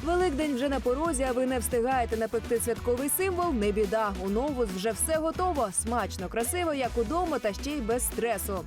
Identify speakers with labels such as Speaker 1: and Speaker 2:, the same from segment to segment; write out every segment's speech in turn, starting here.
Speaker 1: Великдень вже на порозі, а ви не встигаєте напекти святковий символ – не біда. У Новус вже все готово. Смачно, красиво, як удома, та ще й без стресу.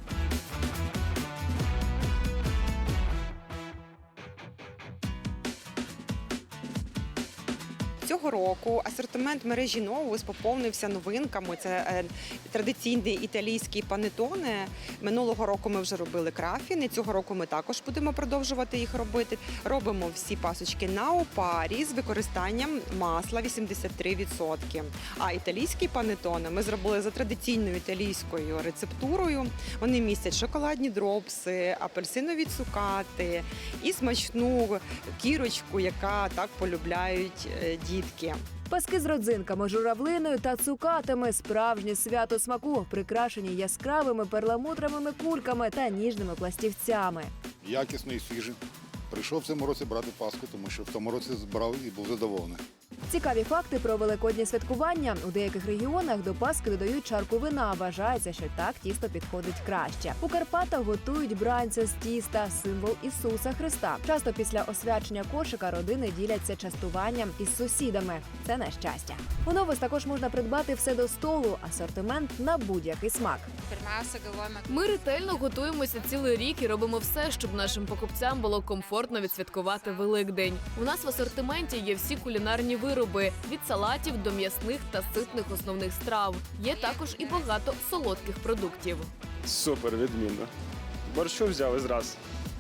Speaker 2: Цього року асортимент мережі Новус поповнився новинками. Це традиційний італійський панеттоне. Минулого року ми вже робили крафіни, цього року ми також будемо продовжувати їх робити. Робимо всі пасочки на опарі з використанням масла 83%. А італійські панеттоне ми зробили за традиційною італійською рецептурою. Вони містять шоколадні дропси, апельсинові цукати і смачну кірочку, яка так полюбляють дітки.
Speaker 1: Паски з родзинками, журавлиною та цукатами – справжнє свято смаку, прикрашені яскравими перламутровими кульками та ніжними пластівцями.
Speaker 3: Якісно і свіжий. Прийшов в цьому році брати Пасху, тому що в тому році збирав і був задоволений.
Speaker 1: Цікаві факти про великоднє святкування. У деяких регіонах до Пасхи додають чарку вина. Вважається, що так тісто підходить краще. У Карпатах готують бранця з тіста – символ Ісуса Христа. Часто після освячення кошика родини діляться частуванням із сусідами. Це на щастя. У Новус також можна придбати все до столу. Асортимент на будь-який смак.
Speaker 4: Ми ретельно готуємося цілий рік і робимо все, щоб нашим покупцям було комфортно відсвяткувати Великдень. У нас в асортименті є всі кулінарні вироби – від салатів до м'ясних та ситних основних страв. Є також і багато солодких продуктів.
Speaker 5: Супер, відмінно. Борщу взяли зразу.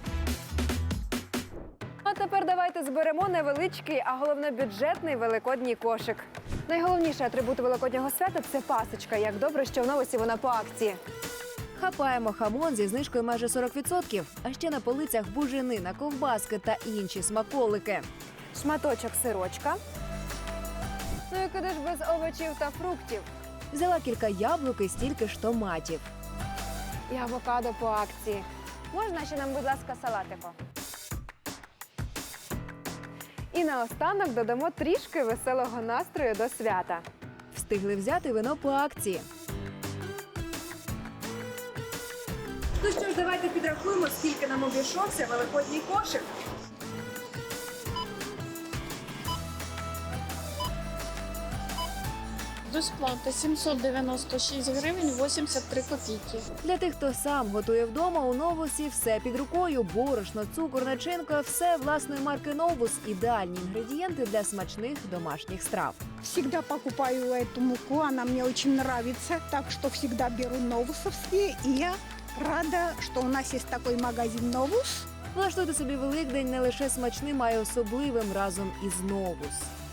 Speaker 1: А тепер давайте зберемо невеличкий, а головне бюджетний великодній кошик. Найголовніший атрибут великоднього свята – це пасочка. Як добре, що в Новусі вона по акції. Хапаємо хамон зі знижкою майже 40%. А ще на полицях буженина, ковбаски та інші смаколики. Шматочок сирочка. Ну і куди ж без овочів та фруктів? Взяла кілька яблук і стільки ж томатів. І авокадо по акції. Можна ще нам, будь ласка, салатику? І наостанок додамо трішки веселого настрою до свята. Встигли взяти вино по акції. Ну що ж, давайте підрахуємо, скільки нам обійшовся великодній кошик.
Speaker 6: Розплата 796 гривень 83 копійки.
Speaker 1: Для тих, хто сам готує вдома, у Новусі все під рукою. Борошно, цукор, начинка – все власної марки Новус. Ідеальні інгредієнти для смачних домашніх страв.
Speaker 7: Всегда покупаю эту муку, она мне очень нравится, так что всегда беру новусовские, и я рада, что у нас есть такой магазин «Новус».
Speaker 1: Влаштуйте собі Великдень не лише смачним, а й особливим разом із Новус.